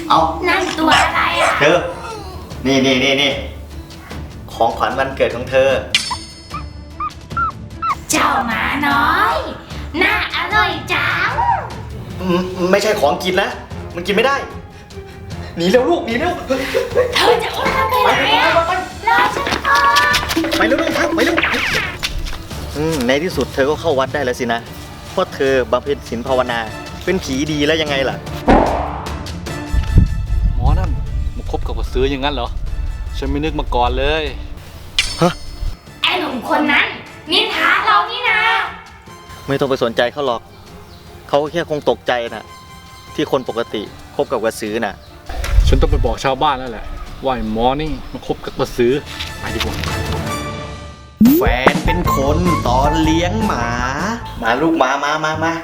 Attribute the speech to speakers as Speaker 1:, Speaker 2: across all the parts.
Speaker 1: เอา
Speaker 2: นั่นตัวอะไรอ่ะ
Speaker 1: เธอนี่ของขวัญวันเกิดของเธอ
Speaker 2: เจ้าหมาน้อยน่าอร่อยจัง
Speaker 1: ไม่ใช่ของกินนะมันกินไม่ได้หนีเร็วลูกหนีเร็ว
Speaker 2: เธอจะอุ้มมันไปไหนอ่ะรอฉันก่อน
Speaker 1: ไปเร็วครับไปเร็วในที่สุดเธอก็เข้าวัดได้แล้วสินะเพราะเธอบำเพ็ญศีลภาวนาเป็นผีดีแล้วยังไงล่ะ
Speaker 3: หมอนั่นมาคบกับกระสืออย่างนั้นเหรอฉันไม่นึกมาก่อนเลย
Speaker 1: ฮะ
Speaker 2: ไอ้หนุ่มคนนั้นนินทาเรานี่นะ
Speaker 1: ไม่ต้องไปสนใจเขาหรอกเขาแค่คงตกใจนะที่คนปกติคบกับกระสือน่ะ
Speaker 3: ฉันต้องไปบอกชาวบ้านแล้วแหละว่าไอ้หมอนี่มาคบกับกระสือไปดีกว่า
Speaker 1: แฟนเป็นคนตอนเลี้ยงหมามาลูกหมามา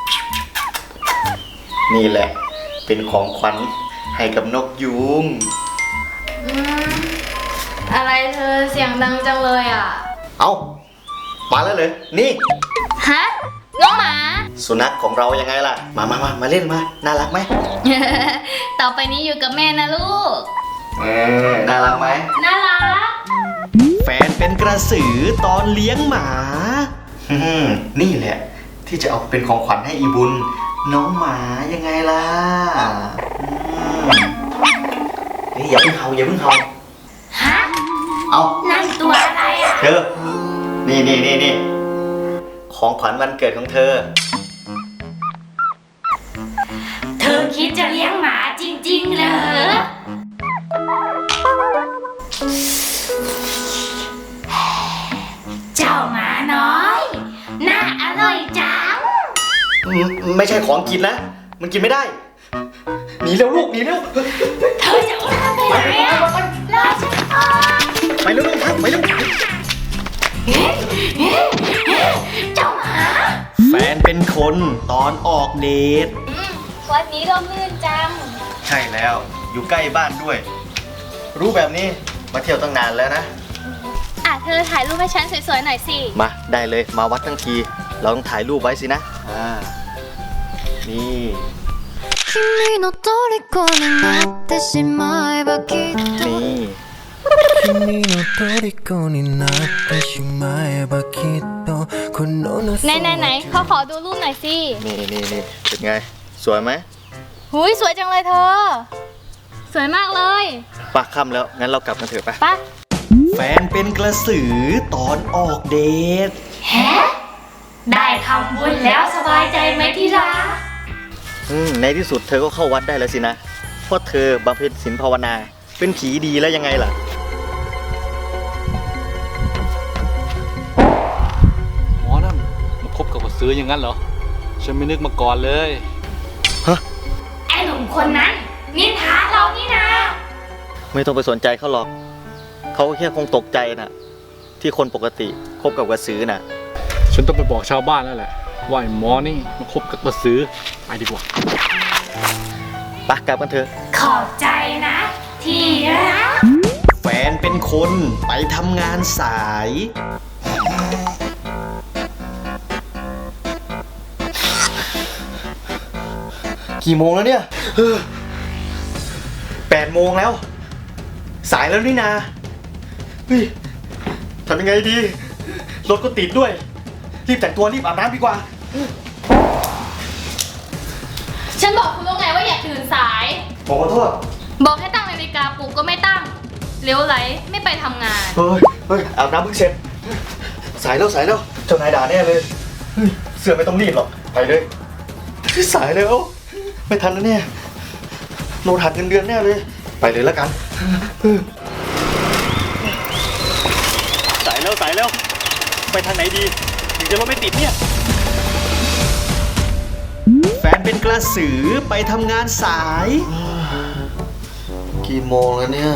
Speaker 1: นี่แหละเป็นของขวัญให้กับนกยูง
Speaker 2: อะไรเธอเสียงดังจังเลยอ่ะ
Speaker 1: เอามาแล้วเลยนี่
Speaker 2: ฮะน้องหมา
Speaker 1: สุนัขของเรายังไงล่ะมาเล่นมาน่ารักไหม
Speaker 2: ต่อไปนี้อยู่กับแม่นะลูก
Speaker 1: น่ารักไหม
Speaker 2: น่ารัก
Speaker 1: แฟนเป็นกระสือตอนเลี้ยงหมานี่แหละที่จะเอาเป็นของขวัญให้อีบุญน้องหมายังไงล่ะนี่อย่าเพิ่งเห่า
Speaker 2: ฮะ
Speaker 1: เอา
Speaker 2: นั่นตัวอะไรอ่ะ
Speaker 1: เธอนี่ของขวัญวันเกิดของเธอ
Speaker 2: คิดจะเลี้ยงหมาจริงๆเหรอเจ้าหมาน้อยน่าอร่อยจัง
Speaker 1: ไม่ใช่ของกินนะมันกินไม่ได้หนีเร็วลูกหนีเร็ว
Speaker 2: เธอจะอุ้มมันไปไหนอ่ะรอฉันก่อน
Speaker 1: ไปเร็วครับไปเร็ว
Speaker 2: เจ้าหมา
Speaker 1: แฟนเป็นคนตอนออกเดท
Speaker 2: วันนี้ร่มรื่นจัง
Speaker 1: ใช่แล้วอยู่ใกล้บ้านด้วยรู้แบบนี้มาเที่ยวตั้งนานแล้วนะ
Speaker 2: เธอถ่ายรูปให้ฉันสวยๆหน่อยสิ
Speaker 1: มาได้เลยมาวัดทั้งทีเราต้องถ่ายรูปไว้สินะนี่นี่
Speaker 2: 君の虜になってしまえばきっとไหนเขาขอดูรูปหน่อยสิ
Speaker 1: นี่เป็นไงสวยไหม
Speaker 2: หุยสวยจังเลยเธอสวยมากเลย
Speaker 1: ปักค่ำแล้วงั้นเรากลับกันเถอะ
Speaker 2: ไป
Speaker 1: แฟนเป็นกระสือตอนออกเดท
Speaker 2: ได้ทำบุญแล้วสบายใจไหมที่รัก
Speaker 1: ในที่สุดเธอก็เข้าวัดได้แล้วสินะเพราะเธอบำเพ็ญศีลภาวนาเป็นผีดีแล้วยังไงล่ะ
Speaker 3: หมอนั่นมาคบกับกระสืออย่างนั้นเหรอฉันไม่นึกมาก่อนเลย
Speaker 1: ฮะ
Speaker 2: ไอ้หนุ่มคนนั้นนินทาเรานี่นะ
Speaker 1: ไม่ต้องไปสนใจเขาหรอกเขาแค่คงตกใจนะที่คนปกติคบกับกระสือน่ะ
Speaker 3: ฉันต้องไปบอกชาวบ้านแล้วแหละว่าไอ้หมอนี่มาคบกับกระสือไปดีกว่า
Speaker 1: ไปกลับกันเถอะ
Speaker 2: ขอบใจนะที่รัก
Speaker 1: แฟนเป็นคนไปทำงานสายกี่โมงแล้วเนี่ย8 โมงแล้วสายแล้วนี่นาเฮ้ยทำยังไงดีรถก็ติดด้วยรีบแต่งตัวรีบอาบน้ำดีกว่า
Speaker 2: ฉันบอกคุณแล้วไงว่าอย่าตื่นสาย
Speaker 1: ผมขอโทษ
Speaker 2: บอกให้ตั้งนาฬิกาปลุกก็ไม่ตั้งเลี้ยวไหลไม่ไปทำงาน
Speaker 1: เฮ้ยอาบน้ำเพิ่งเสร็จสายแล้วเจ้านายด่าแน่เลยเสื้อไม่ต้องรีบหรอกไปเลยสายแล้วไม่ทันแล้วเนี่ยโดนหักเงินเดือนแน่เลยไปเลยแล้วกันสายแล้วไปทางไหนดีถึงจะรถไม่ติดเนี่ยแฟนเป็นกระสือไปทำงานสายกี่โมงแล้วเนี่ย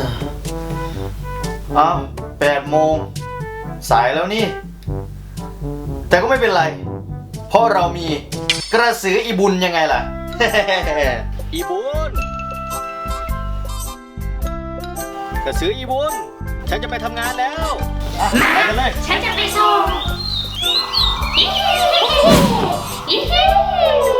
Speaker 1: 8 โมงสายแล้วนี่แต่ก็ไม่เป็นไรเพราะเรามีกระสืออีบุญยังไงล่ะ อีบุญกระสืออีบุญฉันจะไปทำงานแล้วไปกันเลย
Speaker 2: ฉันจะไปส่ง